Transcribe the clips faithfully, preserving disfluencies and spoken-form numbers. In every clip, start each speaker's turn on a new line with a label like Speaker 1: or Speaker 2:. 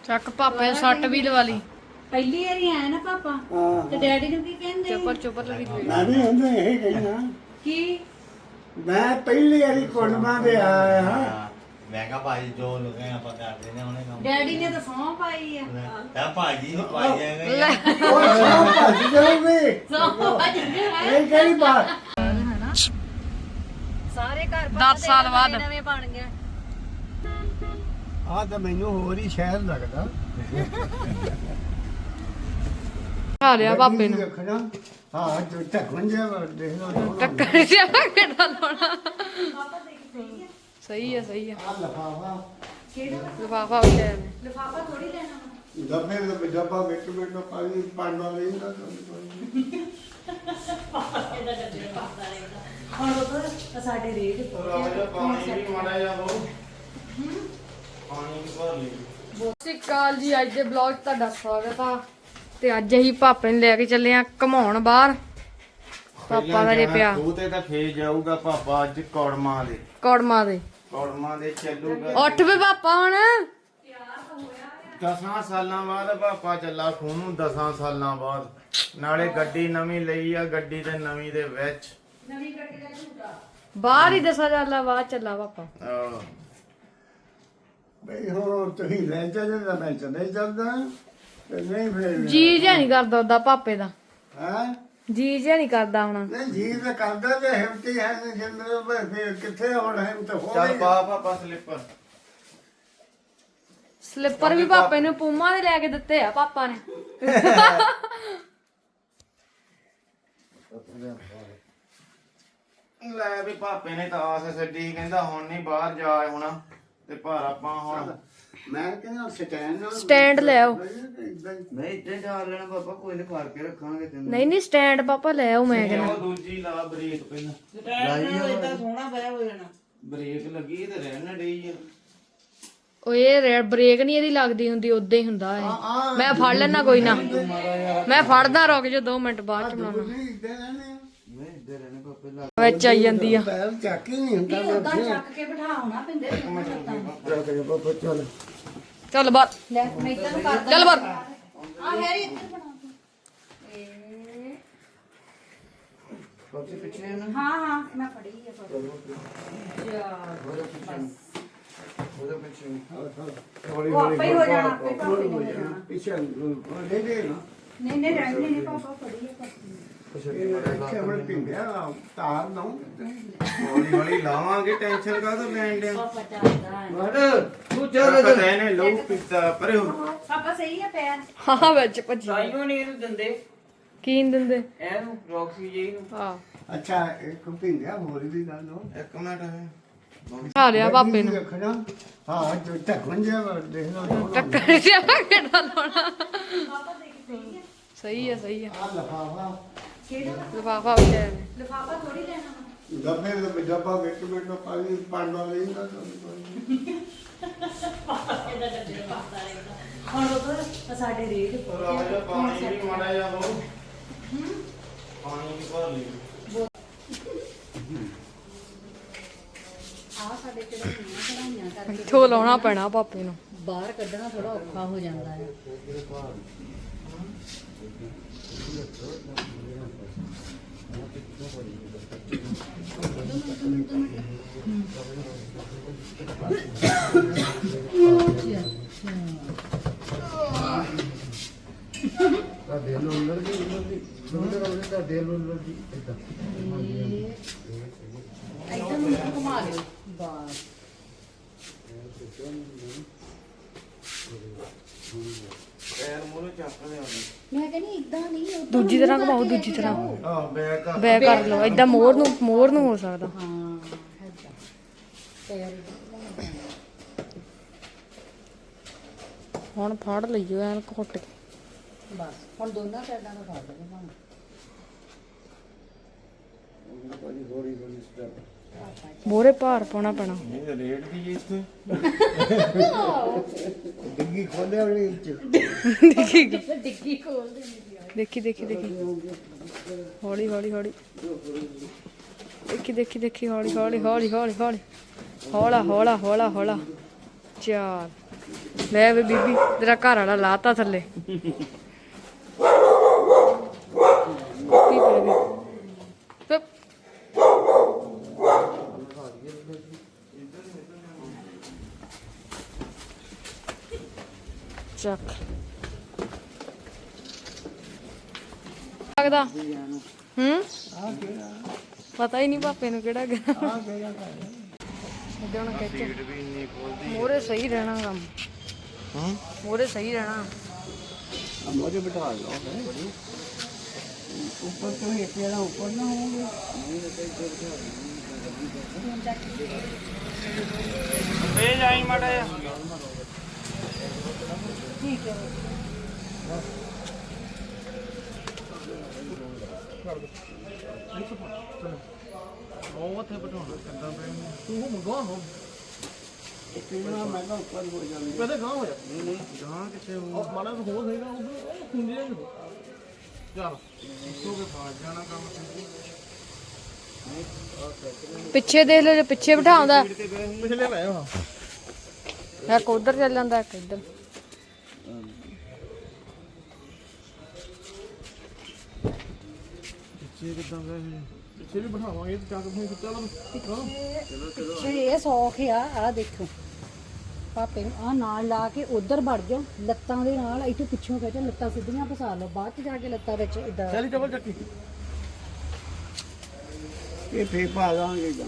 Speaker 1: ਚੱਕ ਪਾਪੇ ਸੱਟ ਵੀ ਲਵਾ ਲਈ
Speaker 2: ਪਹਿਲੀ ਵਾਰੀ ਆਇਆ ਨਾ ਪਾਪਾ ਤੇ ਡੈਡੀ ਨੂੰ ਕੀ ਕਹਿੰਦੇ
Speaker 1: ਚੁੱਪਰ ਚੁੱਪਰ ਲੱਗੀ
Speaker 3: ਮੈਂ ਵੀ ਹੁੰਦਾ ਇਹ ਕਹਿਣਾ
Speaker 2: ਕੀ
Speaker 3: ਮੈਂ ਪਹਿਲੀ ਵਾਰੀ ਕੁੜਮਾਂ ਦੇ ਆਇਆ ਹਾਂ
Speaker 4: ਮੈਂ ਕਿਹਾ ਭਾਈ ਜੋ ਲੁਕੇ ਆਪਾਂ ਕਰਦੇ ਨੇ ਉਹਨੇ ਕੰਮ
Speaker 2: ਡੈਡੀ ਨੇ ਤਾਂ ਸੌਂ ਪਾਈ ਆ
Speaker 4: ਤਾਂ ਭਾਜੀ ਨੂੰ ਪਾਈ ਜਾਏਗਾ
Speaker 1: ਲੈ
Speaker 3: ਉਹ ਸਭ ਭੱਜ ਜਾਓਗੇ
Speaker 2: ਸੌਂ ਪਾਈ
Speaker 3: ਇਹ ਕਿਹੜੀ ਬਾਤ
Speaker 2: ਸਾਰੇ ਘਰ
Speaker 1: ਦਸ ਸਾਲ ਬਾਅਦ
Speaker 2: ਨਵੇਂ ਬਣ ਗਏ
Speaker 3: ਆ ਤਾਂ ਮੈਨੂੰ ਹੋਰ ਹੀ ਸ਼ਹਿਰ ਲੱਗਦਾ
Speaker 1: ਖਾ ਲਿਆ ਪਾਪੇ ਨੂੰ
Speaker 3: ਰੱਖਣਾ ਹਾਂ ਜੋ ਢੱਕਣ ਜਿਹਾ ਦੇਖ ਲਓ
Speaker 1: ਟੱਕਰ ਜਿਹਾ ਕਿਹੜਾ ਲਾਉਣਾ ਸਹੀ ਆ ਸਹੀ ਆ
Speaker 3: ਆ ਲਫਾਫਾ
Speaker 1: ਲਿਫਾਫਾ ਉੱਤੇ ਨੇ
Speaker 2: ਲਿਫਾਫਾ ਥੋੜੀ ਲੈਣਾ
Speaker 3: ਡੱਬੇ ਦੇ ਡੱਬਾ ਵਿੱਚ ਵਿੱਚ ਪਾਣੀ ਪਾਣਾ ਲੈਂਦਾ
Speaker 2: ਹੁਣ ਉਹ ਸਾਡੇ ਰੇਟ
Speaker 4: ਪਾਣੀ ਵੀ ਮਾੜਾ ਜਾ ਹੋ ਪਾਣੀ ਵੀ ਭਰ ਲਈ
Speaker 1: ਸਤਿ ਸ਼੍ਰੀ ਅਕਾਲ ਜੀ। ਅੱਜ ਦੇ ਬਲੌਗ 'ਚ ਤੁਹਾਡਾ ਸਵਾਗਤ ਆ ਤੇ ਅੱਜ ਅਸੀਂ ਪਾਪੇ ਨੂੰ ਲੈ ਕੇ ਚੱਲੇ ਆ ਘਮਾਉਣ ਬਾਹਰ। ਪਾਪਾ ਦਾ ਜੇ ਪਿਆ
Speaker 4: ਉਹ ਤੇ ਤਾਂ ਫੇਰ ਜਾਊਗਾ ਪਾਪਾ ਅੱਜ ਕੌੜਮਾਂ ਦੇ
Speaker 1: ਕੌੜਮਾ ਦੇ
Speaker 4: ਕੌੜਮਾਂ ਦੇ ਚੱਲੂਗਾ
Speaker 1: ਉੱਠ ਵੇ ਪਾਪਾ ਹੁਣ
Speaker 4: ਦਸਾਂ ਸਾਲਾਂ ਬਾਅਦ ਪਾਪਾ ਚੱਲਾ ਖੂਨੂ ਦਸਾਂ ਸਾਲਾਂ ਬਾਅਦ ਨਾਲੇ ਗੱਡੀ ਨਵੀਂ ਲਈ ਆ ਗੱਡੀ ਤੇ ਨਵੀਂ ਦੇ ਵਿੱਚ
Speaker 1: ਬਾਹਰ ਹੀ ਦਸਾਂ ਹਜ਼ਾਰ ਬਾਅਦ ਚੱਲਾ ਪਾਪਾ।
Speaker 4: ਆਹ,
Speaker 3: ਬਈ ਹੁਣ ਤੁਸੀਂ ਲੈ ਚੱਲੇ ਤਾਂ ਮੈਂ ਚਲੇ ਚੱਲਦਾ ਤੇ ਨਹੀਂ ਫਿਰ
Speaker 1: ਜੀ ਜਿਹਾ ਨਹੀਂ ਕਰਦਾ ਉਹਦਾ ਪਾਪੇ ਦਾ
Speaker 3: ਹਾਂ
Speaker 1: ਜੀ ਜਿਹਾ ਨਹੀਂ ਕਰਦਾ ਹੁਣ
Speaker 3: ਨਹੀਂ ਜੀ ਤਾਂ ਕਰਦਾ ਤੇ ਹਿੰਮਤੀ ਹੈ ਜਿੰਦਰ ਫਿਰ ਕਿੱਥੇ ਹੁਣ ਹਿੰਮਤ ਹੋ
Speaker 4: ਚੱਲ
Speaker 3: ਗਈ
Speaker 4: ਪਾ ਪਾਪਾ ਸਲਿੱਪਰ
Speaker 1: ਸਲਿੱਪਰ ਵੀ ਪਾਪੇ ਨੂੰ ਪੂਮਾ ਦੇ ਲੈ ਕੇ ਦਿੱਤੇ ਆ ਪਾਪਾ ਨੇ।
Speaker 4: ਲੈ ਵੀ ਪਾਪੇ ਨੇ ਤਾਂ ਆਸ ਛੱਡੀ ਕਹਿੰਦਾ ਹੁਣ ਨਹੀਂ ਬਾਹਰ ਜਾ ਹੋਣਾ ਤੇ ਪਰ ਆਪਾਂ ਹੁਣ
Speaker 3: ਮੈਂ ਕਹਿੰਦਾ ਸਟੈਂਡ ਨਾਲ
Speaker 1: ਸਟੈਂਡ ਲੈ ਆਓ।
Speaker 4: ਨਹੀਂ ਇੱਥੇ ਢਾਲ ਲੈਣਾ ਪਾਪਾ ਕੋਈ ਨਹੀਂ ਫੜ ਕੇ ਰੱਖਾਂਗੇ ਤੈਨੂੰ
Speaker 1: ਨਹੀਂ ਨਹੀਂ ਸਟੈਂਡ ਪਾਪਾ ਲੈ ਆਓ ਮੈਂ ਕਹਿੰਦਾ।
Speaker 4: ਉਹ ਦੂਜੀ ਲਾ ਬ੍ਰੇਕ ਪਹਿਲਾਂ ਲਾਈ ਇਦਾਂ ਸੋਹਣਾ ਪਿਆ ਹੋ ਜਾਣਾ ਬ੍ਰੇਕ ਲੱਗੀ ਤੇ ਰਹਿਣ ਡਈ ਆ
Speaker 1: ਓਏ ਰੇ ਬ੍ਰੇਕ ਨਹੀਂ ਇਹਦੀ ਲੱਗਦੀ ਹੁੰਦੀ ਉਦਾਂ ਹੀ ਹੁੰਦਾ ਇਹ। ਮੈਂ ਫੜ ਲੈਣਾ ਕੋਈ ਨਾ ਮੈਂ ਫੜਦਾ ਰੁਕ ਜਾ ਦੋ ਮਿੰਟ ਬਾਅਦ ਚ ਬਣਾਉਣਾ
Speaker 3: ਨਹੀਂ ਇੱਦਾਂ ਰਹਿਣੇ ਆ।
Speaker 4: ਮੈਂ ਇੱਧਰ ਰਹਿਣੇ ਪਾਪੇ ਲਾ
Speaker 1: ਵਿੱਚ ਆਈ ਜਾਂਦੀ ਆ।
Speaker 3: ਪੈਰ ਚੱਕ ਹੀ ਨਹੀਂ ਹੁੰਦਾ
Speaker 2: ਉਦਾਂ ਚੱਕ ਕੇ ਬਿਠਾਉਣਾ ਪਿੰਦੇ
Speaker 3: ਚੱਲ ਬਾਬਾ ਚੱਲ
Speaker 1: ਚੱਲ ਬਾਹਰ
Speaker 2: ਲੈ ਮੈਂ ਇੱਧਰ ਨੂੰ ਕਰ
Speaker 1: ਚੱਲ ਬਾਹਰ
Speaker 2: ਆ ਹੈਰੀ ਇੱਧਰ ਬਣਾ ਤੂੰ
Speaker 4: ਪਾਪੇ ਪਿੱਛੇ ਨਾ
Speaker 2: ਹਾਂ ਹਾਂ ਮੈਂ ਫੜੀ ਆ ਫੜੀ
Speaker 4: ਉਹਦੇ ਪਿੱਛੇ
Speaker 3: ਹੌਲੀ
Speaker 2: ਉਹ ਆਪੇ ਹੀ ਹੋ ਜਾਣਾ ਆਪੇ ਪਾਪੇ ਨੇ ਹੋ ਜਾਣਾ
Speaker 3: ਪਿੱਛੇ ਲੈ ਦੇ ਨਾ
Speaker 2: ਨਹੀਂ ਨਹੀਂ ਰਹਿਣੇ ਨਹੀਂ ਪਾਪਾ ਫੜੀ ਆ ਪਾਪੇ
Speaker 3: ਇਹ ਹੁਣ ਪਿੰਗਿਆ ਤਾਰ ਨਾ
Speaker 4: ਹੌਲੀ ਹੌਲੀ ਲਾਵਾਂਗੇ ਟੈਨਸ਼ਨ ਕਾਹਦਾ ਲੈਣ ਦੇ
Speaker 2: ਪਾਪਾ ਚੱਲਦਾ ਹੈ
Speaker 4: ਵੜ ਤੂੰ ਚੱਲ ਪਤਾ ਇਹਨੇ ਲਹੂ ਪੀਤਾ ਪਰੇ ਹੋ
Speaker 2: ਪਾਪਾ ਸਹੀ ਆ ਪੈਰ
Speaker 1: ਹਾਂ ਵਿੱਚ ਭੱਜੀ
Speaker 5: ਸਾਈਓ ਨਹੀਂ ਇਹਨੂੰ ਦਿੰਦੇ
Speaker 1: ਕੀ ਨੀ ਦਿੰਦੇ
Speaker 5: ਇਹਨੂੰ ਰੌਕਸੀ ਜੀ ਨੂੰ
Speaker 1: ਹਾਂ
Speaker 3: ਅੱਛਾ ਇੱਕ ਪਿੰਗਿਆ ਹੋਰ ਵੀ ਗੱਲ ਹੋ
Speaker 4: ਇੱਕ ਮਿੰਟ
Speaker 1: ਖਾ ਲਿਆ ਪਾਪੇ ਨੂੰ
Speaker 3: ਰੱਖਣਾ ਹਾਂ ਜੋ ਢੱਕਣ ਜਿਹਾ ਦੇਖ ਲਓ
Speaker 1: ਟੱਕਰ ਜਿਹਾ ਕਿਹੜਾ ਲਾਉਣਾ ਸਹੀ ਆ ਸਹੀ ਆ
Speaker 3: ਆ ਲਫਾਫਾ
Speaker 2: ਕਿਹੜਾ
Speaker 1: ਲਿਫਾਫਾ ਉੱਤੇ ਨੇ
Speaker 2: ਲਿਫਾਫਾ ਥੋੜੀ ਲੈਣਾ
Speaker 3: ਡੱਬੇ ਦੇ ਡੱਬਾ ਵਿੱਚ ਵਿੱਚ ਪਾਣੀ ਪਾਣਾ ਲੈਂਦਾ
Speaker 2: ਹੁਣ ਉਹ ਸਾਡੇ ਰੇਟ
Speaker 4: ਪਾਣੀ ਵੀ ਮਾੜਾ ਜਾ ਹੋ ਪਾਣੀ ਵੀ ਭਰ ਲਈ
Speaker 2: ਆ ਸਾਡੇ ਕਿਹੜੇ ਕਢਾਈਆਂ ਕਰਕੇ
Speaker 1: ਇੱਥੋਂ ਲਾਉਣਾ ਪੈਣਾ ਪਾਪੇ ਨੂੰ।
Speaker 2: ਬਾਹਰ ਕੱਢਣਾ ਥੋੜਾ ਔਖਾ ਹੋ ਜਾਂਦਾ ਹੈ
Speaker 3: ਤਾਂ ਦੇ ਲੋ ਅੰਦਰ ਦੀ ਅੰਦਰ ਦੀ ਦੋਨੇ ਰੋਲੇ ਦਾ ਦੇ ਲੋ ਅੰਦਰ ਦੀ ਇਦਾਂ
Speaker 2: ਇੱਧਰ ਨੂੰ ਘੁਮਾ ਲਿਓ ਬਸ
Speaker 4: ਪੈਰ ਮੂਹਰੇ ਚੱਕ ਲਿਆ
Speaker 2: ਮੈਂ ਕਹਿੰਦੀ ਇਦਾਂ ਨਹੀਂ ਉੱਧਰ
Speaker 1: ਦੂਜੀ ਤਰ੍ਹਾਂ ਘਮਾਓ ਦੂਜੀ ਤਰ੍ਹਾਂ
Speaker 4: ਆਹ ਬੈਕ ਆ
Speaker 1: ਬੈ ਕਰ ਲਓ ਏਦਾਂ ਮੋਰ ਨੂੰ ਮੋਰ ਨੂੰ ਹੋ ਸਕਦਾ।
Speaker 2: ਹਾਂ ਏਦਾਂ ਪੈਰ
Speaker 1: ਹੁਣ ਫੜ ਲਈਓ ਐਨ ਘੁੱਟ ਕੇ
Speaker 2: ਬਸ ਹੁਣ ਦੋਨਾਂ ਸਾਈਡਾਂ ਤੋਂ ਫੜ ਲਓ ਭਾਵੇਂ
Speaker 3: ਹੌਲੀ ਹੌਲੀ ਸਟੈਪ
Speaker 1: ਮੋਰੇ ਭਾਰ ਪਾਉਣਾ ਪੈਣਾ।
Speaker 4: ਇਹ ਰੇਟ ਦੀ ਇੱਥੇ
Speaker 3: ਡਿੱਗੀ ਖੋਲਿਆ ਉਹਨੇ ਵਿੱਚ
Speaker 2: ਡਿੱਗੀ ਖੋਲ ਦੇ
Speaker 1: ਦੇਖੀ ਦੇਖੀ ਦੇਖੀ ਹੌਲੀ ਹੌਲੀ ਹੌਲੀ ਦੇਖੀ ਦੇਖੀ ਦੇਖੀ ਹੌਲੀ ਹੌਲੀ ਹੌਲੀ ਹੌਲੀ ਹੌਲੀ ਹੌਲਾ ਹੌਲਾ ਹੌਲਾ ਹੌਲਾ ਚਾਰ ਲੈ ਵੇ ਬੀਬੀ ਤੇਰਾ ਘਰ ਵਾਲਾ ਲਾਤਾ ਥੱਲੇ ਕੀ ਕਰੇ ਚੁੱਪ ਚੱਕ ਲੱਗਦਾ ਹੂੰ ਪਤਾ ਹੀ ਨਹੀਂ ਪਾਪੇ ਨੂੰ ਕਿਹੜਾ ਗਿਆ ਉਹਦੇ ਹੁਣ ਖਿੱਚ
Speaker 4: ਸੀਟ ਵੀ ਇੰਨੀ ਖੋਲਦੀ
Speaker 1: ਮੋਰੇ ਸਹੀ ਰਹਿਣਾ ਕੰਮ
Speaker 4: ਹੂੰ
Speaker 1: ਮੋਰੇ ਸਹੀ ਰਹਿਣਾ
Speaker 3: मुझे बिठा लो ऊपर तो एक जरा ऊपर ना होंगे
Speaker 4: ਵੇ ਜਾਈ ਮਾੜਾ ਜਿਹਾ ਉਹ ਉੱਥੇ ਬਿਠਾਉਣਾ ਕਿੱਦਾਂ ਪੈਣਾ
Speaker 3: तू मंगवा हो इतना महंगा ऊपर हो जाएगा पहले कहां हो जा नहीं नहीं
Speaker 4: ਗਾਂ ਕਿੱਥੇ ਉਹ
Speaker 3: और माना तो हो जाएगा उधर खुंजे चल
Speaker 4: ਇੱਥੋਂ ਕੇ ਫਾਜ ਜਾਣਾ ਕੰਮ
Speaker 1: ਪਿੱਛੇ ਦੇਖ ਲਓ ਜੇ ਪਿੱਛੇ ਬਿਠਾਉਂਦਾ
Speaker 3: पिछले में हां
Speaker 1: ਇੱਕ ਉਧਰ ਚੱਲ ਜਾਂਦਾ ਇੱਕ ਇੱਧਰ
Speaker 4: ਪਿੱਛੇ ਕਿੱਦਾਂ ਗਏ
Speaker 3: पिछले भी बिठावांगे तो क्या करेंगे चलो
Speaker 2: ਪਿੱਛੇ ਇਹ ਸੌਖ ਆ ਆ ਦੇਖੋ ਪਾਪੇ ਨੂੰ ਆ ਨਾਲ ਲਾ ਕੇ ਉਧਰ ਵੜ ਜਾਓ ਲੱਤਾਂ ਦੇ ਨਾਲ ਇੱਥੋਂ ਪਿੱਛੋਂ ਖਿੱਚੋ ਲੱਤਾਂ ਸਿੱਧੀਆਂ ਫਸਾ ਲਓ ਬਾਅਦ ਚ ਜਾ ਕੇ ਲੱਤਾਂ ਵਿੱਚ ਇਦਾਂ
Speaker 3: चली चल चक्की ये फेंक पा जाएंगे जा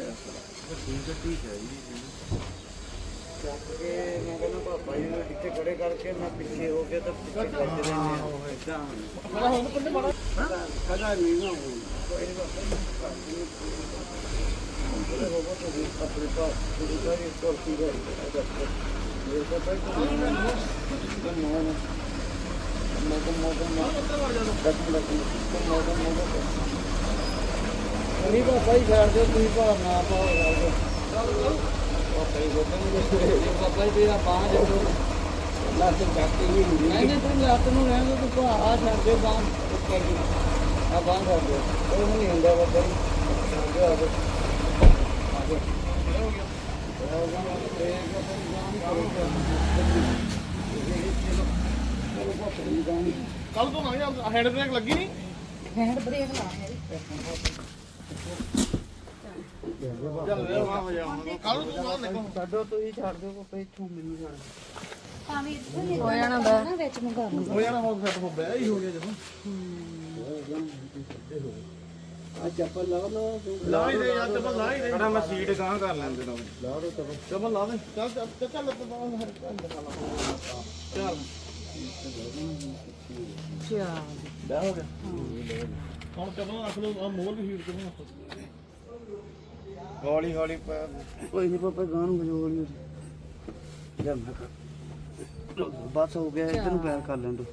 Speaker 4: ਮੈਂ ਕਹਿੰਦਾ ਪਾਪਾ ਜੀ ਨੂੰ ਇੱਥੇ ਖੜੇ ਕਰਕੇ ਮੈਂ ਪਿੱਛੇ ਹੋ ਕੇ ਤਾਂ ਪਿੱਛੇ ਕਰਦੇ ਰਹਿੰਦੇ ਇਦਾਂ
Speaker 3: बड़ा हो तो बड़ा
Speaker 4: ਕਦਾ ਨਹੀਂ ਨਾ ਕੋਈ ਆਪਣੇ ਪਾਸ ਪੂਰੀ ਸਾਰੀ ਕੁਰਸੀ ਹੈ ਇਹ ਤਾਂ ਭਾਈ ਕੋਈ ਨਾ ਨਾ ਮੈਂ ਤਾਂ ਮੋਟਰ ਮੈਂ ਦੱਸ ਲੱਗ ਮੋਟਰ ਮੋਟਰ ਨਹੀਂ ਪਾਪਾ ਜੀ ਛੱਡ ਦਿਓ ਤੁਸੀਂ ਭਾਰ ਨਾ ਪਾਓ ਪਾਪਾ ਜੀ ਬੋਲਣਗੇ ਪਾਪਾ ਜੀ ਤੇਰਾ ਬਾਂਹ ਜਦੋਂ ਲੱਤ ਚੱਕ ਹੀ ਹੁੰਦੀ ਨਹੀਂ ਨਹੀਂ ਤੂੰ ਲੱਤ ਨੂੰ ਰਹਿਣ ਦੇ ਤੂੰ ਆ ਛੱਡ ਦੇ ਬਾਂਹ ਉੱਤੇ ਕੀ ਆ ਬਾਂਹ ਛੱਡ ਦੇ ਉਹ ਨਹੀਂ ਹੁੰਦਾ ਬਾਬਾ ਜੀ ਛੱਡ ਦਿਓ ਆ ਜਾਓ ਆ ਜਾਓ ਹੋ ਗਿਆ ਹੋ ਗਿਆ ਤੇ
Speaker 3: कल तो ना हेड ब्रेक लगी नहीं
Speaker 2: ਹੈਂਡ ਬ੍ਰੇਕ ਲਾ
Speaker 3: चल रे वहां हो जाओ कल तो ना देखो
Speaker 4: ਛੱਡੋ ਤੁਸੀਂ ਛੱਡ ਦਿਓ ਪਾਪਾ ਇੱਥੋਂ ਮੈਨੂੰ ਛੱਡ
Speaker 2: ਭਾਵੇਂ ਇੱਥੋਂ ਹੀ
Speaker 1: ਹੋ ਜਾਣਾ ਬੈ
Speaker 2: ਨਾ ਵਿੱਚ ਮੰਗਾ ਲਓ
Speaker 3: हो जाना हो सेट हो गया ही हो गया जब
Speaker 4: ਆ ਚੱਪਲ ਲਾ ਲਓ
Speaker 3: ला ही दे यार चप्पल ला ही दे
Speaker 4: ਮੈਂ ਸੀਟ ਗਾਂ ਕਰ ਲੈਂਦੇ ਤਾਂ
Speaker 3: ला दो चप्पल चप्पल ला दे चल चल चल तो बाहर चल
Speaker 1: ਚਾ
Speaker 3: ਲੈ ਹੋ ਗਿਆ ਹੁਣ ਚਪਲ ਰੱਖ ਲਓ ਆ ਮੋਲ ਵੀ ਹੀਟ ਕਰਨਾ
Speaker 4: ਹੌਲੀ ਹੌਲੀ ਕੋਈ ਨਹੀਂ ਪਾਪਾ ਗਾਂ ਨੂੰ ਬਜੋੜ ਨਹੀਂ ਜਾ ਮੈਂ ਕਰ ਬਸ ਹੋ ਗਿਆ ਇੱਧਰ ਨੂੰ ਪੈਰ ਕਰ ਲੈਣ ਦੋ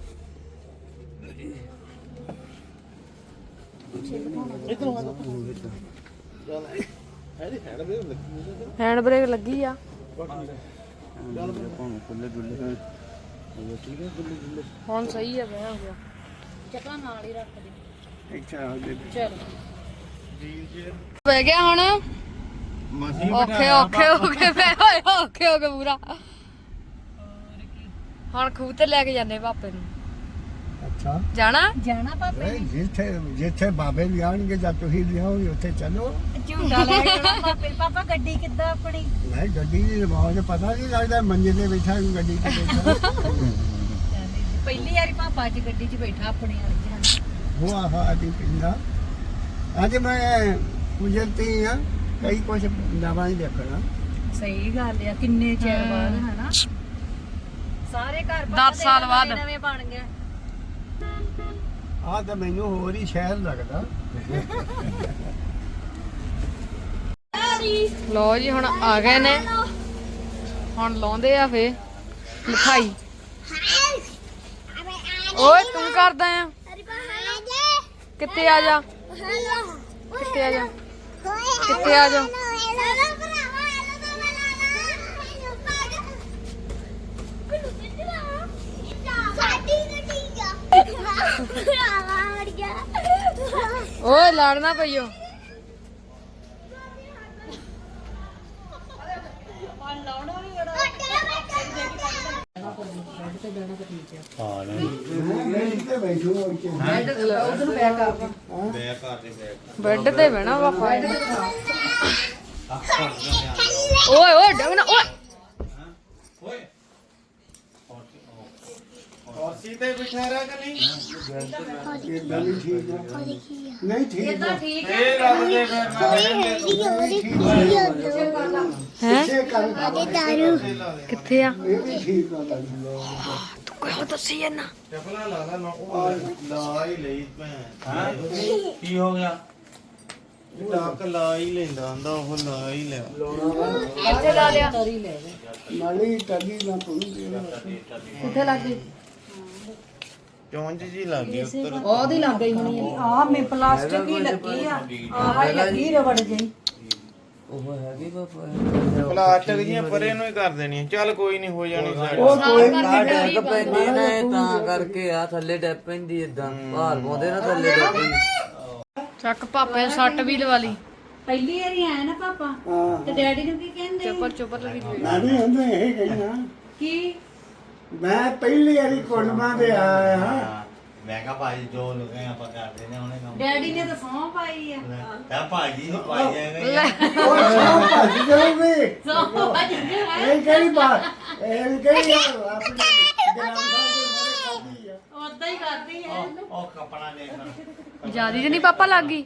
Speaker 3: ਇਧਰ ਆ ਜਾ ਚੱਲ ਇਹਦੀ ਹੈਡ ਬ੍ਰੇਕ ਲੱਗੀ ਹੋਈ
Speaker 1: ਹੈਂਡ ਬ੍ਰੇਕ ਲੱਗੀ ਆ
Speaker 4: ਚੱਲ ਭਾਵੇਂ ਖੁੱਲੇ ਡੁੱਲੇ ਹੋਣ ਉਹ ਠੀਕ ਹੈ ਖੁੱਲੇ ਡੁੱਲੇ
Speaker 1: ਹੁਣ ਸਹੀ ਆ ਬੈ ਹੋ ਗਿਆ
Speaker 2: ਚੱਕਾ ਨਾਲ ਹੀ ਰੱਖ ਦੇ
Speaker 4: ਇੱਛਾ ਹੋ ਜੇ
Speaker 2: ਚਲ
Speaker 1: ਬਹਿ ਗਿਆ ਹੁਣ
Speaker 4: ਮਸੀਂ
Speaker 1: ਔਖੇ ਔਖੇ ਹੋ ਕੇ ਬੈ ਹੋਏ ਔਖੇ ਹੋ ਕੇ ਪੂਰਾ ਹੁਣ ਖੂਹ ਤੇ ਲੈ ਕੇ ਜਾਂਦੇ ਪਾਪੇ ਨੂੰ
Speaker 3: ਅੱਛਾ
Speaker 1: ਜਾਣਾ
Speaker 2: ਜਾਣਾ ਪਾਪੇ
Speaker 3: ਨਹੀਂ ਜਿੱਥੇ ਜਿੱਥੇ ਬਾਬੇ ਵੀ ਆਣਗੇ ਜਾਂ ਤੁਸੀਂ ਵੀ ਆਓਗੇ ਉੱਥੇ ਚੱਲੋ
Speaker 2: ਝੂਟਾ ਲੈ ਕੇ ਜਾਣਾ ਪਾਪੇ ਪਾਪਾ ਗੱਡੀ ਕਿੱਦਾਂ ਆਪਣੀ
Speaker 3: ਮੈਂ ਗੱਡੀ ਦੀ ਰਵਾਜ ਪਤਾ ਨਹੀਂ ਲੱਗਦਾ ਮੰਜੇ ਤੇ ਬੈਠਾ ਹਾਂ ਗੱਡੀ ਤੇ ਬੈਠਾ
Speaker 2: ਪਹਿਲੀ ਵਾਰੀ ਪਾਪਾ ਅੱਜ ਗੱਡੀ 'ਚ ਬੈਠਾ ਆਪਣੀ ਅੱਜ
Speaker 3: ਉਹ ਆਹ ਆਦੀ ਪਿੰਡਾ ਅੱਜ ਮੈਂ ਗੁਜ਼ਰਤੀ ਆ ਕਈ ਕੁਝ ਨਵਾਂ ਹੀ ਦੇਖਣਾ
Speaker 2: ਸਹੀ ਗੱਲ ਆ ਕਿੰਨੇ ਚਿਰ ਬਾਅਦ ਹਨਾ ਸਾਰੇ ਘਰ
Speaker 1: ਦਸ ਸਾਲ ਬਾਅਦ।
Speaker 2: ਨਵੇਂ ਬਣ ਗਏ
Speaker 3: ਆਹ ਤਾਂ ਮੈਨੂੰ ਹੋਰ ਹੀ ਸ਼ਹਿਰ ਲੱਗਦਾ
Speaker 1: ਲੋ ਜੀ ਹੁਣ ਆ ਗਏ ਨੇ ਹੁਣ ਲਾਉਂਦੇ ਆ ਫੇ ਮਿਠਾਈ ਓਏ ਤੂੰ ਕਰਦਾ ਆ ਕਿੱਥੇ ਆ ਜਾ ਕਿੱਥੇ ਆ ਜਾ ਕਿੱਥੇ ਆ ਜਾ ਓਏ ਲੜਨਾ ਪਈਓ
Speaker 2: ਤੇ ਬਹਿਣਾ ਤਾਂ ਠੀਕ ਆ
Speaker 6: ਹਾਂ ਨਹੀਂ
Speaker 3: ਮੈਂ ਤੇ ਬੈਠੂ ਹੋ ਕੇ
Speaker 2: ਬੈੱਡ ਉਧਰ ਨੂੰ ਬੈਕ ਕਰ
Speaker 6: ਬੈਕ ਕਰਦੇ ਬੈਕ
Speaker 1: ਬੈੱਡ ਤੇ ਬਹਿਣਾ ਵਾ
Speaker 2: ਬੈੱਡ ਤੇ ਖਾ
Speaker 1: ਓਏ ਓਏ ਡੰਗਣਾ ਓਏ
Speaker 6: ਓਏ
Speaker 4: ਕੁਰਸੀ ਤੇ ਬਿਠਾ ਰਿਹਾ ਕਿ ਨਹੀਂ
Speaker 3: ਇਦਾਂ ਵੀ ਠੀਕ ਆ ਨਹੀਂ ਠੀਕ ਆ
Speaker 2: ਠੀਕ
Speaker 4: ਇਹ ਰੱਬ ਦੇ ਫਿਰ
Speaker 1: ਹੈ
Speaker 3: ਪਿੱਛੇ ਕਰ
Speaker 1: ਕਿੱਥੇ ਆ
Speaker 3: ਇਹ ਵੀ ਠੀਕ ਆ ਲੱਗਦਾ
Speaker 1: ਤੂੰ ਕਿਉਂ ਦੱਸੀ ਇਹਨਾਂ
Speaker 4: ਚਪਲਾ ਲਾ ਲਾ ਨਾ ਉਹ ਲਾ ਹੀ ਲਈ ਭੈਣ
Speaker 6: ਹਾਂ ਕੀ ਹੋ ਗਿਆ
Speaker 4: ਡਾਕ ਲਾ ਹੀ ਲੈਂਦਾ ਹੁੰਦਾ ਉਹ ਲਾ ਹੀ ਲਿਆ
Speaker 1: ਕਿੱਥੇ ਲਾ ਲਿਆ
Speaker 2: ਤਰੀ ਲੈ ਲੈ
Speaker 3: ਨਾਲੀ ਟੱਡੀ ਨਾ ਤੂੰ ਦੇਣਾ
Speaker 2: ਕਿੱਥੇ ਲੱਗ ਗਈ
Speaker 4: ਚੌਂਜ ਜੀ ਲੱਗ ਗਈ ਉੱਤਰ
Speaker 2: ਉਹਦੀ ਲੱਗ ਗਈ ਹੋਣੀ ਆ ਮੇ ਪਲਾਸਟਿਕ ਹੀ ਲੱਗੀ ਆ ਆਹ ਹੀ ਲੱਗੀ ਰਬੜ ਜਿਹੀ
Speaker 4: ਪਲਾਸਟਿਕ ਜੀਆਂ ਪਰੇ ਨੂੰ ਹੀ ਕਰ ਦੇਣੀ ਚੱਲ ਕੋਈ ਨਹੀਂ ਹੋ ਜਾਣੀ ਸਾਡੀ
Speaker 3: ਉਹ ਕੋਈ
Speaker 7: ਡੈਕ ਪੈਂਦੀ ਨਾ ਇਹ ਤਾਂ ਕਰਕੇ ਆ ਥੱਲੇ ਡੈਪ ਪੈਂਦੀ ਇਦਾਂ ਭਾਰ ਪਾਉਂਦੇ ਨਾ ਥੱਲੇ ਡੈਪ ਪੈਂਦੀ
Speaker 1: ਚੱਕ ਪਾਪੇ ਨੇ ਸੱਟ ਵੀ ਲਵਾ ਲਈ
Speaker 2: ਪਹਿਲੀ ਵਾਰੀ ਆਇਆ ਨਾ ਪਾਪਾ
Speaker 3: ਹਾਂ
Speaker 2: ਤੇ ਡੈਡੀ ਨੂੰ ਕੀ ਕਹਿੰਦੇ
Speaker 1: ਚੁੱਪਰ ਚੁੱਪਰ ਲੱਗੀ
Speaker 3: ਮੈਂ ਵੀ ਹੁੰਦੇ ਇਹ ਕਹਿਣਾ
Speaker 2: ਕੀ
Speaker 3: ਮੈਂ ਪਹਿਲੀ ਵਾਰੀ ਕੁੜਮਾਂ ਦੇ ਆਇਆ ਹਾਂ
Speaker 6: ਮੈਂ ਕਹਾ ਭਾਜੀ ਜੋ ਲੋਕੇ ਆਪਾਂ ਕਰਦੇ ਨੇ ਉਹਨੇ ਕੰਮ
Speaker 2: ਡੈਡੀ ਨੇ ਤਾਂ ਸੌਂ ਪਾਈ ਆ
Speaker 6: ਤਾਂ ਭਾਜੀ ਨੂੰ ਪਾਈ ਜਾਏਗਾ
Speaker 3: ਉਹ ਸਭ ਭੱਜ ਜਾਊਗੀ
Speaker 2: ਸੌਂ ਪਾਈ ਆ।
Speaker 3: ਇਹ ਕਿਹੜੀ ਬਾਤ ਇਹ ਕਿਹੜੀ ਗੱਲ ਆਪਣੀ ਗ੍ਰਾਮ ਸਾਹਿਬ ਦੇ ਮੋਰੇ ਖਾਦੀ ਆ
Speaker 2: ਓਦਾਂ ਹੀ ਕਰਦੀ ਹੈ
Speaker 6: ਉਹ ਕਪੜਾ ਦੇਖਣਾ
Speaker 1: ਜਿਆਦੀ ਤੇ ਨਹੀਂ ਪਾਪਾ ਲੱਗ ਗਈ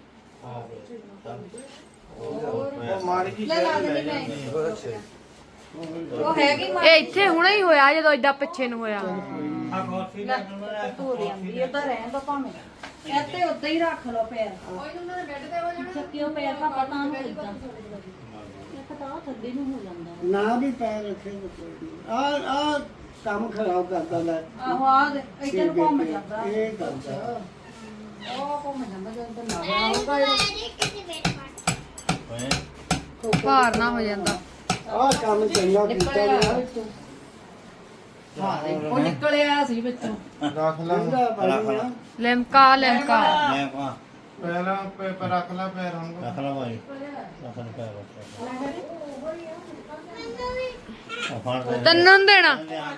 Speaker 4: ਉਹ ਮਾੜੀ ਜੀ
Speaker 2: ਲੈ ਲਾ ਦੇ ਮੈਂ ਉਹ ਹੈਗੀ ਮਾਂ
Speaker 1: ਇਹ ਇੱਥੇ ਹੁਣੇ ਹੀ ਹੋਇਆ ਜਦੋਂ ਏਦਾਂ ਪਿੱਛੇ ਨੂੰ ਹੋਇਆ
Speaker 6: ਆ ਕੋਫੀ ਦਾ ਨੰਬਰ
Speaker 2: ਧੋ ਲਿਆਂਦੀ ਉਹਦਾ ਰਹਿਣ ਦੋ ਭਾਵੇਂ ਇੱਥੇ ਉੱਦਾਂ ਹੀ ਰੱਖ ਲਓ ਪੈਰ ਕੋਈ ਉਹਨਾਂ ਦੇ ਬੈੱਡ ਤੇ ਹੋ ਜਾਣਾ ਚੱਕਿਓ ਪੈਰ ਪਾਪਾ ਤਾਂ ਨੂੰ ਇਦਾਂ ਇੱਕ ਤਾਂ ਆਹ ਥੱਲੇ ਨੂੰ ਹੋ ਜਾਂਦਾ
Speaker 3: ਨਾ ਵੀ ਪੈਰ ਰੱਖੇ ਤਾਂ ਕੋਈ ਨਹੀਂ ਆ ਆ ਕੰਮ ਖਰਾਬ ਕਰਦਾ ਲੈ
Speaker 2: ਆਹੋ ਆ ਦੇ ਇੱਧਰ ਨੂੰ ਘੁੰਮ ਜਾਂਦਾ
Speaker 3: ਇਹ ਕਰਦਾ
Speaker 2: ਉਹ ਘੁੰਮ ਜਾਂਦਾ ਜਦੋਂ ਤਾਂ ਨਾ ਆਊਗਾ
Speaker 1: ਭਾਰ ਨਾ ਹੋ ਜਾਂਦਾ
Speaker 3: ਆ ਕੰਮ ਚੰਗਾ ਕੀਤਾ ਗਿਆ
Speaker 2: ਉਹ ਨਿਕਲਿਆ ਸੀ ਵਿੱਚੋਂ
Speaker 4: ਰੱਖ ਲਾ
Speaker 3: ਇਹਦਾ ਬਣੀ ਆ
Speaker 1: ਲਿਮਕਾ ਲਿਮਕਾ
Speaker 6: ਮੈਂ ਕਹਾ
Speaker 4: ਪਹਿਲਾਂ ਪੇਪਰ ਰੱਖ ਲਾ ਪੈਰ ਹੁਣ
Speaker 6: ਰੱਖ ਲਾ ਭਾਈ ਰੱਖ ਲੈ ਪੈਰ ਰੱਖ ਫੜ ਦੇ
Speaker 1: ਤੈਨੂੰ ਨੀ ਦੇਣਾ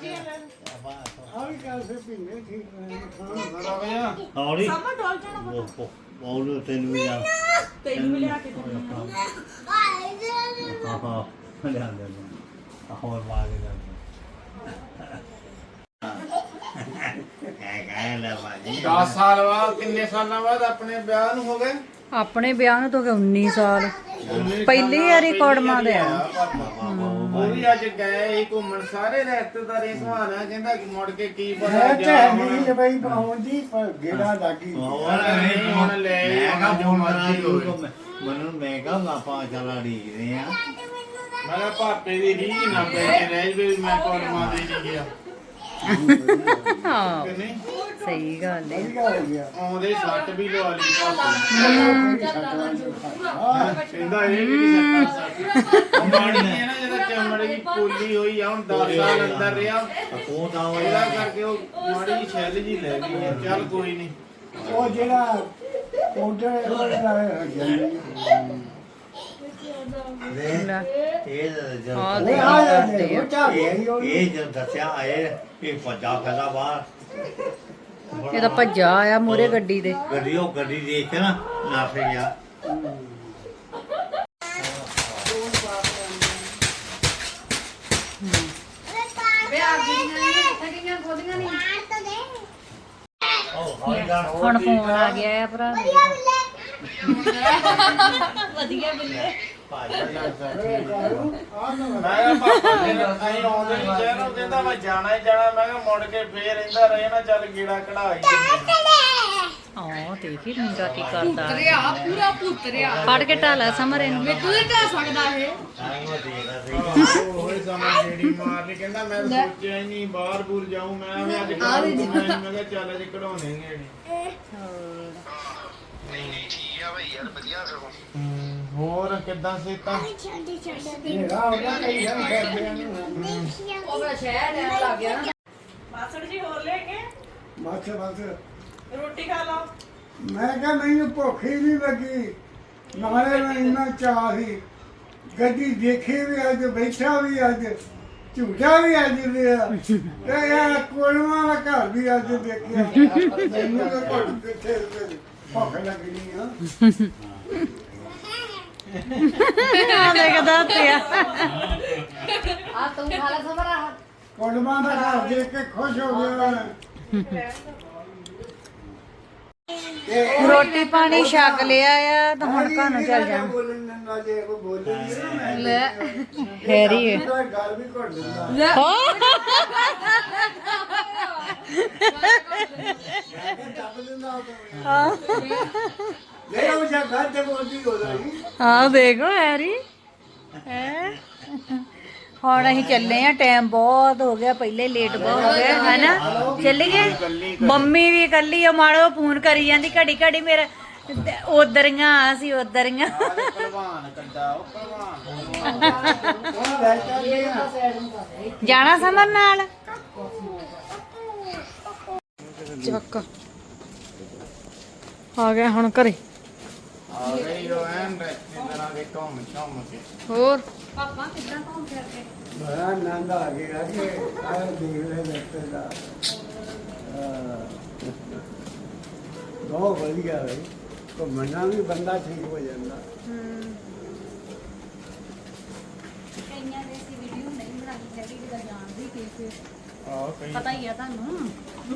Speaker 3: ਆ ਵੀ ਕਰ ਸੇ ਪੀਨੇ ਠੀਕ ਹੈ ਖਾਣ
Speaker 4: ਰੱਖ ਜਾ
Speaker 6: ਹੌਲੀ ਬੋਲ ਤੈਨੂੰ ਵੀ ਜਾ
Speaker 2: ਤੈਨੂੰ ਵੀ ਲਿਆ ਕੇ
Speaker 6: ਹਾਂ ਹਾਂ ਲਿਆ ਦੇ ਹੋਰ ਮਾਰ ਦੇ ਹੈ ਕਹਿ ਲੈ ਭਾਜੀ
Speaker 4: ਦਸ ਸਾਲ ਬਾਅਦ ਕਿੰਨੇ ਸਾਲਾਂ ਬਾਅਦ ਆਪਣੇ ਵਿਆਹ ਨੂੰ ਹੋ ਗਏ
Speaker 2: ਆਪਣੇ ਵਿਆਹ ਨੂੰ ਤਾਂ ਹੋ ਗਏ ਉੱਨੀ ਸਾਲ ਪਹਿਲੀ ਵਾਰੀ ਕੋੜਮਾ ਦੇ ਆ
Speaker 4: ਉਹ ਵੀ ਅੱਜ ਗਏ ਸੀ ਘੁੰਮਣ ਸਾਰੇ ਰਿਸ਼ਤੇਦਾਰੀ ਸਹਾਣਾ ਕਹਿੰਦਾ ਕਿ ਮੁੜ ਕੇ ਕੀ ਪਤਾ
Speaker 3: ਹੈ
Speaker 4: ਜਾ
Speaker 3: ਤੇ ਨਹੀਂ ਬਈ ਪਹੁੰਚਦੀ ਪਰ ਗੇੜਾ ਲੱਗੀ
Speaker 4: ਹੁਣ ਲੈ
Speaker 6: ਮੈਂ ਕਹਾ
Speaker 4: ਜੋ ਮਰਜ਼ੀ ਹੋਵੇ
Speaker 6: ਮੈਨੂੰ ਮੈਂ ਕਹਾ ਆਪਾਂ ਚਲਾ ਢੀਕਦੇ ਆ
Speaker 4: ਮੈਂ ਕਿਹਾ ਭਾਪੇ ਦੀ ਰੀਝ ਨਾ ਪੈ ਕੇ ਰਹਿ ਜਵੇ ਵੀ ਮੈਂ ਕੋਲਮਾ ਦੇ ਨਹੀਂ ਗਿਆ
Speaker 2: ਹਾਂ
Speaker 4: ਕਿ ਨਹੀਂ
Speaker 2: ਸਹੀ ਗੱਲ ਹੈ
Speaker 3: ਵਧੀਆ ਹੋ ਗਿਆ
Speaker 4: ਆਉਂਦੇ ਸੱਟ ਵੀ ਲਵਾ ਲਈ ਭਾਪੇ ਕਹਿੰਦਾ ਇਹ ਵੀ ਨਹੀਂ ਸੱਟਾਂ ਸੱਟ ਮਾੜੀ ਨਹੀਂ ਹੈ ਨਾ ਜਦੋਂ ਚਮੜੀ ਦੀ ਪੋਲੀ ਹੋਈ ਆ ਹੁਣ ਦਸ ਸਾਲ ਅੰਦਰ ਰਿਹਾ
Speaker 6: ਉਹ ਤਾਂ ਉਹ
Speaker 4: ਇਹਦਾ ਕਰਕੇ ਉਹ ਮਾੜੀ ਜਿਹੀ ਛੈਲ ਜੀ ਲੈ ਗਈ ਹੈ ਚੱਲ ਕੋਈ ਨਹੀਂ
Speaker 3: ਉਹ ਜਿਹੜਾ ਪਾਊਡਰ ਉਹਦਾ ਜਾਂਦੀ
Speaker 6: ਇਹ ਜਦ
Speaker 1: ਹਾਂ
Speaker 3: ਉਹ ਆ ਜਾਂਦੇ ਉਹ ਚਾ ਗਈ ਉਹ
Speaker 6: ਇਹ ਜਦ ਦੱਸਿਆ ਆਏ ਇਹ ਭੱਜਾ ਫੈਲਾ ਬਾਹਰ
Speaker 2: ਇਹ ਤਾਂ ਭੱਜਾ ਆਇਆ ਮੂਰੇ ਗੱਡੀ ਦੇ
Speaker 6: ਗੱਡੀ ਉਹ ਗੱਡੀ ਦੇਖ ਕੇ ਨਾ ਨਾ ਫੇ ਗਿਆ ਉਹ ਹੌਲੀ ਜਾਣ
Speaker 2: ਹੁਣ ਫੋਨ ਆ ਗਿਆ ਆ ਭਰਾ ਵਧੀਆ ਬਿੱਲੇ
Speaker 6: ਭਾਜੀ
Speaker 4: ਮੈਂ ਕਿਹਾ ਪਾਪਾ ਨੇ ਅਸੀਂ ਆਉਂਦੇ ਨਹੀਂ ਸ਼ਹਿਰੋਂ ਕਹਿੰਦਾ ਮੈਂ ਜਾਣਾ ਹੀ ਜਾਣਾ ਮੈਂ ਕਿਹਾ ਮੁੜ ਕੇ ਫੇਰ ਰਹਿੰਦਾ ਰਹੇ ਨਾ ਚੱਲ ਗੀੜਾ ਕਢਾਈ
Speaker 2: ਹਾਂ ਦੇਖੀ ਮੁੰਡਾ ਕੀ ਕਰਦਾ
Speaker 1: ਪੁੱਤਰਿਆ ਪੂਰਾ ਪੁੱਤਰਿਆ
Speaker 2: ਫੜ ਕੇ ਢਾਲਾ ਸਮਰੇ ਨੂੰ
Speaker 1: ਤੂੰ ਹੀ ਢਾ ਸਕਦਾ ਇਹ
Speaker 6: ਉਹ ਦੇਖਦਾ ਸੀ
Speaker 4: ਉਹ ਹੀ ਸਮਾਂ ਜਿਹੜੀ ਮਾਰ ਲਈ ਕਹਿੰਦਾ ਮੈਂ ਤਾਂ ਸੋਚਿਆ ਹੀ ਨਹੀਂ ਬਾਹਰ ਬੂਰ ਜਾਊਂ ਮੈਂ ਵੀ ਅੱਜ ਕਢਾਉਂ ਮੈਂ ਕਿਹਾ ਚੱਲ ਅੱਜ ਕਢਾਉਣੇ ਹੀ ਹੋਰ ਕਿੱਦਾਂ ਸੇਤਾ
Speaker 3: ਮੇਰਾ ਹੋ ਗਿਆ ਕਈ ਜਨ ਕਰਦੇ ਨੇ
Speaker 1: ਉਹ ਮੈਂ ਸ਼ਹਿਰ ਲੈਣ ਲੱਗ ਗਿਆ ਨਾ
Speaker 8: ਮਾਸੜ ਜੀ ਹੋਰ ਲੈ ਕੇ
Speaker 3: ਮਾਥੇ ਮਾਥੇ
Speaker 8: ਰੋਟੀ ਖਾ ਲਓ
Speaker 3: ਮੈਂ ਕਿਹਾ ਮੈਨੂੰ ਭੁੱਖ ਹੀ ਨਹੀਂ ਲੱਗੀ ਨਾਲੇ ਮੈਂ ਇੰਨਾ ਚਾਹ ਸੀ ਗੱਡੀ ਦੇਖੀ ਵੀ ਅੱਜ ਬੈਠਾ ਵੀ ਅੱਜ ਝੂਠਾ ਵੀ ਅੱਜ ਲਿਆ ਤੇ ਯਾਰ ਕੋਲਵਾ ਦਾ ਘਰ ਵੀ ਅੱਜ ਦੇਖਿਆ ਮੈਨੂੰ ਤਾਂ ਘੁੱਟ ਕਿੱਥੇ ਭੁੱਖ ਲੱਗਣੀ ਆ
Speaker 2: ਆ ਦੇਖਦਾ ਪਿਆ
Speaker 1: ਆ ਤੂੰ ਖਾਲਾ ਸਮਰਾ
Speaker 3: ਕੋਲਵਾ ਦਾ ਘਰ ਦੇਖ ਕੇ ਖੁਸ਼ ਹੋ ਗਿਆ
Speaker 2: ਰੋਟੀ ਪਾਣੀ ਛਕ ਲਿਆ ਆ ਤਾਂ ਹੁਣ ਘਰ ਨੂੰ ਚੱਲ ਜਾਣਾ
Speaker 3: ਬੋਲਣ ਨਾਲ ਜੇ ਕੋਈ ਬੋਲੇ ਨਹੀਂ
Speaker 1: ਲੈ
Speaker 2: ਹੈਰੀ ਹੈ
Speaker 3: ਨਾ ਗੱਲ ਵੀ ਘੁੱਟ ਦਿੰਦਾ ਨਹੀਂ ਉਹ ਜਾਂ ਘਰ ਤੇ ਬੋਲਦੀ ਹੋ ਰਹੀ
Speaker 2: ਹਾਂ ਦੇਖੋ ਹੈਰੀ ਹੈ ਹੁਣ ਅਸੀਂ ਚੱਲੇ ਆ ਟਾਈਮ ਬਹੁਤ ਹੋ ਗਿਆ ਪਹਿਲੇ ਲੇਟ ਬਹੁਤ ਹੋ ਗਿਆ ਹੈਨਾ ਚੱਲ ਗਏ ਮੰਮੀ ਵੀ ਇਕੱਲੀ ਆ ਮਾੜੋ ਫੋਨ ਕਰੀ ਜਾਂਦੀ ਘੜੀ ਘੜੀ ਮੇਰਾ ਉਧਰੀਆਂ ਅਸੀਂ ਉਧਰੀਆਂ
Speaker 4: ਪਹਿਲਵਾਨ ਕੱਡਾ ਉਹ ਪਹਿਲਵਾਨ
Speaker 3: ਉਹ ਲੈ ਚੱਲ
Speaker 2: ਜਾਣਾ ਸਮਰ ਨਾਲ
Speaker 1: ਚੱਕ ਆ ਗਿਆ ਹੁਣ ਘਰੇ
Speaker 4: ਆ ਗਈ ਉਹ ਐਨ ਰੈਸਟੋਰੈਂਟ ਤਰ੍ਹਾਂ ਦੇ ਕੰਮ ਸ਼ਾਮ ਕੇ
Speaker 1: ਹੋਰ
Speaker 3: ਬੜਾ ਆਨੰਦ ਆ ਗਿਆ ਕਿ ਆ ਦੇਖ ਲੈ ਬੱਚੇ ਦਾ ਬਹੁਤ ਵਧੀਆ ਹੈ ਘੁੰਮਣਾ ਵੀ ਬੰਦਾ ਠੀਕ ਹੋ ਜਾਂਦਾ
Speaker 2: ਕਈਆਂ ਦੇ ਸੀ ਵੀਡੀਓ ਨਹੀਂ ਬਣਾਈ ਹੈਗੀ ਜਿਹਦਾ ਜਾਣਦੀ ਕਿਸੇ
Speaker 4: ਆ ਕਈ
Speaker 2: ਪਤਾ ਹੀ ਆ ਤੁਹਾਨੂੰ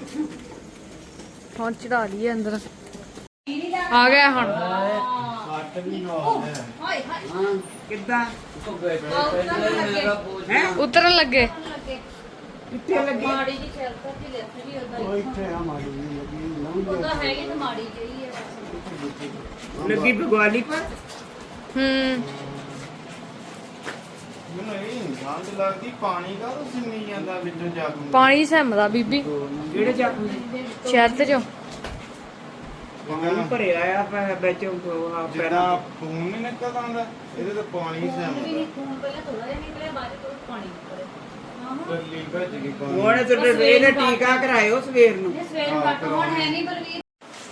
Speaker 1: ਹੁਣ ਚੜਾ ਲਈਏ ਅੰਦਰ ਆ ਗਿਆ ਹੁਣ
Speaker 4: ਕੱਟ ਵੀ ਨਾ ਆਉਂਦਾ
Speaker 2: ਹਾਏ ਹਾਏ
Speaker 5: ਕਿੱਦਾਂ
Speaker 1: ਉਤਰਨ ਲੱਗੇ
Speaker 2: ਮਾੜੀ ਜੀ ਚੱਲ ਤਾਂ ਜੀ ਲਿਖ ਵੀ ਉਹਦਾ
Speaker 3: ਉਹ ਇੱਥੇ ਆ ਮਾੜੀ ਜਿਹੀ ਲੱਗੀ ਲੰਘ
Speaker 2: ਉਹਦਾ ਹੈਗੀ ਤਾਂ ਮਾੜੀ ਜਿਹੀ ਹੈ
Speaker 5: ਲੱਗੀ ਭਗਵਾਲੀ ਪਰ
Speaker 1: ਹੂੰ
Speaker 4: ਮੈਨੂੰ ਇਹ ਗੰਦ ਲੱਗਦੀ ਪਾਣੀ ਕਾ ਉਹ ਸਿੰਮੀ ਜਾਂਦਾ ਵਿੱਚੋਂ ਜੱਗ ਨੂੰ
Speaker 1: ਪਾਣੀ ਸਹਿਮਦਾ ਬੀਬੀ
Speaker 5: ਜਿਹੜੇ ਚਾਕੂ
Speaker 1: ਸ਼ਹਿਦ ਚੋਂ
Speaker 5: ਪਾਣੀ ਭਰਿਆ ਆ ਪਰ ਵਿੱਚ ਉਹ ਆ ਪੈਰਾਂ
Speaker 4: ਜਿਹੜਾ ਖੂਨ ਨਹੀਂ ਨਿਕਲਦਾ ਹੁੰਦਾ ਇਹਦੇ ਤੋਂ ਪਾਣੀ
Speaker 2: ਵੀ
Speaker 4: ਸਹਿਮਦਾ
Speaker 2: ਨਹੀਂ ਖੂਨ ਪਹਿਲਾਂ ਥੋੜਾ ਜਿਹਾ ਨਿਕਲਿਆ ਬਾਅਦ ਚ ਪਾਣੀ ਨਿਕਲਿਆ
Speaker 4: ਕੱਲੀ ਭੱਜ ਗਈ ਪਾਣੀ
Speaker 5: ਹੁਣ ਤੇ ਇਹਨੇ ਟੀਕਾ ਕਰਾਇਓ ਸਵੇਰ ਨੂੰ
Speaker 2: ਇਹ ਸਵੇਰ ਨੂੰ ਕੱਟ ਹੁਣ ਹੈ ਨਹੀਂ ਬਲਵੀਰ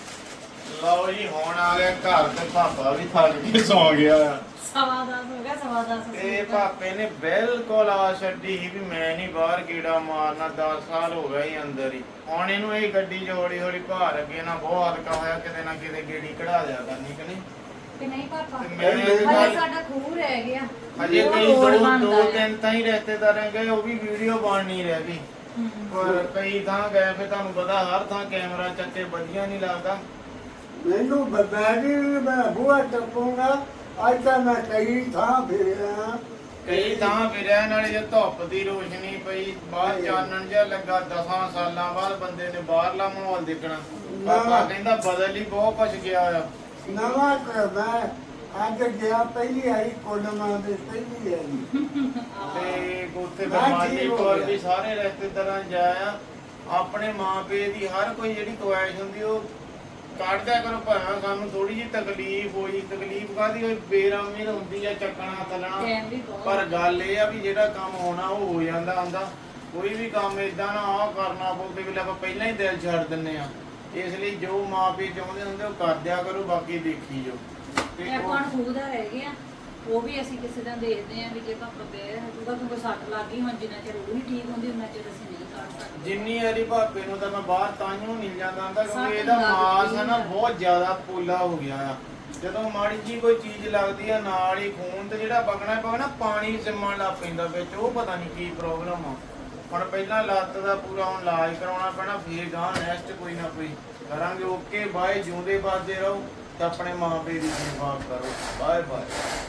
Speaker 4: ਲਓ ਜੀ ਹੁਣ ਆ ਗਿਆ ਘਰ ਤੇ ਪਾਪਾ ਵੀ ਥੱਕ ਕੇ ਸੌ ਗਿਆ ਆ
Speaker 2: ਸਵਾ ਦਸ ਹੋ ਗਿਆ ਸਵਾ ਦਸ
Speaker 4: ਤੇ ਪਾਪੇ ਨੇ ਬਿਲਕੁਲ ਆ ਛੱਡੀ ਸੀ ਵੀ ਮੈਂ ਨਹੀਂ ਬਾਹਰ ਕੀੜਾ ਮਾਰਨਾ ਦਸ ਸਾਲ ਹੋ ਗਏ ਹੀ ਅੰਦਰ ਹੀ ਹੁਣ ਇਹਨੂੰ ਇਹ ਗੱਡੀ ਜੋੜੀ ਹੌਲੀ ਭਾਰ ਅੱਗੇ ਨਾ ਬਹੁਤ ਹਲਕਾ ਹੋਇਆ ਕਿਤੇ ਨਾ ਕਿਤੇ ਗੇੜੀ ਕਢਾ ਦਿਆ ਕਰਨੀ ਕਿ ਨਹੀਂ
Speaker 2: ਕਿ ਨਹੀਂ ਪਾਪਾ
Speaker 4: ਤੇ ਮੈਂ ਇਹ
Speaker 2: ਹਲੇ
Speaker 4: ਗੱਲ-
Speaker 2: ਸਾਡਾ ਖੂਹ ਰਹਿ ਗਿਆ
Speaker 4: ਅਜੇ
Speaker 2: ਉਹ
Speaker 4: ਕਈ
Speaker 2: ਰੋਡ
Speaker 4: ਦੋ
Speaker 2: ਬਣਦਾ
Speaker 4: ਦੋ
Speaker 2: ਹੈ।
Speaker 4: ਤਿੰਨ ਤਾਂ ਹੀ ਰਿਸ਼ਤੇਦਾਰ ਗਏ ਉਹ ਵੀ ਵੀਡੀਓ ਬਣ ਨਹੀਂ ਰਹਿ ਗਈ ਪਰ ਕਈ ਥਾਂ ਗਏ ਫੇ ਤੁਹਾਨੂੰ ਪਤਾ ਹਰ ਥਾਂ ਕੈਮਰਾ ਚੱਕੇ ਵਧੀਆ ਨਹੀਂ ਲੱਗਦਾ
Speaker 3: ਮੈਨੂੰ ਬੈਗੀ ਮੈਂ ਬੂਹਾ ਟੱਪੂਗਾ ਅੱਜ ਤਾਂ ਮੈਂ ਕਈ ਥਾਂ ਫਿਰਿਆ
Speaker 4: ਕਈ ਥਾਂ ਫਿਰਿਆ ਨਾਲੇ ਜੇ ਧੁੱਪ ਦੀ ਰੋਸ਼ਨੀ ਪਈ ਬਾਹਰ ਚਾਨਣ ਜਿਹਾ ਲੱਗਾ ਦਸਾਂ ਸਾਲਾਂ ਬਾਅਦ ਬੰਦੇ ਨੇ ਬਾਹਰਲਾ ਮਾਹੌਲ ਦੇਖਣਾ ਪਾਪਾ ਕਹਿੰਦਾ ਬਦਲ ਹੀ ਬਹੁਤ ਕੁਛ ਗਿਆ ਆ
Speaker 3: ਨਵਾਂ ਘਰ ਮੈਂ ਅੱਜ ਗਿਆ ਪਹਿਲੀ ਆਈ ਕੋਲਮਾ ਦੇ ਪਹਿਲੀ ਆਈ
Speaker 4: ਤੇ ਉੱਥੇ
Speaker 3: ਮੈਂ
Speaker 4: ਬਰਮਾਨੀ
Speaker 3: ਠੀਕ ਹੋ
Speaker 4: ਕੋਲ
Speaker 3: ਗਿਆ।
Speaker 4: ਵੀ ਸਾਰੇ ਰਿਸ਼ਤੇਦਾਰਾਂ ਜਾਇਆ ਆਪਣੇ ਮਾਂ ਪਿਓ ਦੀ ਹਰ ਕੋਈ ਜਿਹੜੀ ਖੁਆਇਸ਼ ਹੁੰਦੀ ਉਹ ਕੱਢਦਿਆ ਕਰੋ ਭਾਵੇਂ ਸਾਨੂੰ ਥੋੜੀ ਜਿਹੀ ਤਕਲੀਫ ਹੋਈ ਤਕਲੀਫ ਕਾਦੀ ਹੋਈ ਬੇਰਾਮੀ ਹੁੰਦੀ ਆ ਚੱਕਣਾ ਤਲਣਾ
Speaker 2: ਟਾਈਮ ਵੀ ਬਹੁਤ
Speaker 4: ਪਰ ਗੱਲ ਇਹ ਆ ਵੀ ਜਿਹੜਾ ਕੰਮ ਹੋਣਾ ਉਹ ਹੋ ਜਾਂਦਾ ਹੁੰਦਾ ਕੋਈ ਵੀ ਕੰਮ ਇਦਾਂ ਨਾ ਆਹ ਕਰਨਾ ਪਊ ਕਿ ਆਪਾਂ ਪਹਿਲਾਂ ਹੀ ਦਿਲ ਛੱਡ ਦਿੰਨੇ ਆ ਇਸ ਲਈ ਜੋ ਮਾਂ ਪਿਓ ਚਾਹੁੰਦੇ ਹੁੰਦੇ ਉਹ ਕਰ ਦਿਆ ਕਰੋ ਬਾਕੀ ਦੇਖੀ ਜਾਓ ਤੇ
Speaker 2: ਇਹ
Speaker 4: ਉਹ-
Speaker 2: ਆਪਾਂ ਨੂੰ ਖੂਹ ਦਾ ਰਹਿ ਗਿਆ ਉਹ ਵੀ ਅਸੀਂ ਕਿਸੇ ਦਾ ਦੇਖਦੇ ਆਂ ਵੀ ਜੇ ਪਾਪਾ ਬੇਰ ਹਜੂਗਾ ਕਿਉਂਕਿ ਸੱਟ ਲੱਗ ਗਈ ਹੁਣ ਜਿੰਨਾ ਚਿਰ ਉਹ ਨਹੀਂ ਠੀਕ ਹੁੰਦੀ ਉਹਨਾਂ ਚਿਰ ਅਸੀਂ ਨਹੀਂ ਕਰ ਸਕਦੇ
Speaker 4: ਜਿੰਨੀ ਵਾਰੀ ਭਾਪੇ ਨੂੰ ਤਾਂ ਮੈਂ ਬਾਹਰ ਤਾਂਹੀਓ ਨਹੀਂ ਜਾਂਦਾ ਹੁੰਦਾ
Speaker 2: ਸੱਟ
Speaker 4: ਕਿਉਂਕਿ ਇਹਦਾ
Speaker 2: ਲੱਗ
Speaker 4: ਮਾਸ
Speaker 2: ਗਈ
Speaker 4: ਹੈ ਨਾ
Speaker 2: ਆ।
Speaker 4: ਬਹੁਤ ਜ਼ਿਆਦਾ ਪੋਲਾ ਹੋ ਗਿਆ ਆ ਜਦੋਂ ਮਾੜੀ ਜੀ ਕੋਈ ਚੀਜ਼ ਲੱਗਦੀ ਆ ਨਾਲ ਹੀ ਖੂਨ ਤੇ ਜਿਹੜਾ ਵਗਣਾ ਪਗਣਾ ਪਾਣੀ ਸਿਮਣ ਲੱਗ ਪੈਂਦਾ ਵਿੱਚ ਉਹ ਪਤਾ ਨਹੀਂ ਕੀ ਪ੍ਰੋਬਲਮ ਆ ਹੁਣ ਪਹਿਲਾਂ ਲੱਤ ਦਾ ਪੂਰਾ ਹੁਣ ਇਲਾਜ ਕਰਾਉਣਾ ਪੈਣਾ ਫੇਰ ਗਾਂ ਨੈਕਸਟ ਕੋਈ ਨਾ ਕੋਈ ਕਰਾਂਗੇ ਓਕੇ ਬਾਏ ਜਿਉਂਦੇ ਬਾਦੇ ਰਹੋ ਤੇ ਆਪਣੇ ਮਾਂ ਪਿਓ ਦੀ ਸੇਵਾ ਕਰੋ ਬਾਏ ਬਾਏ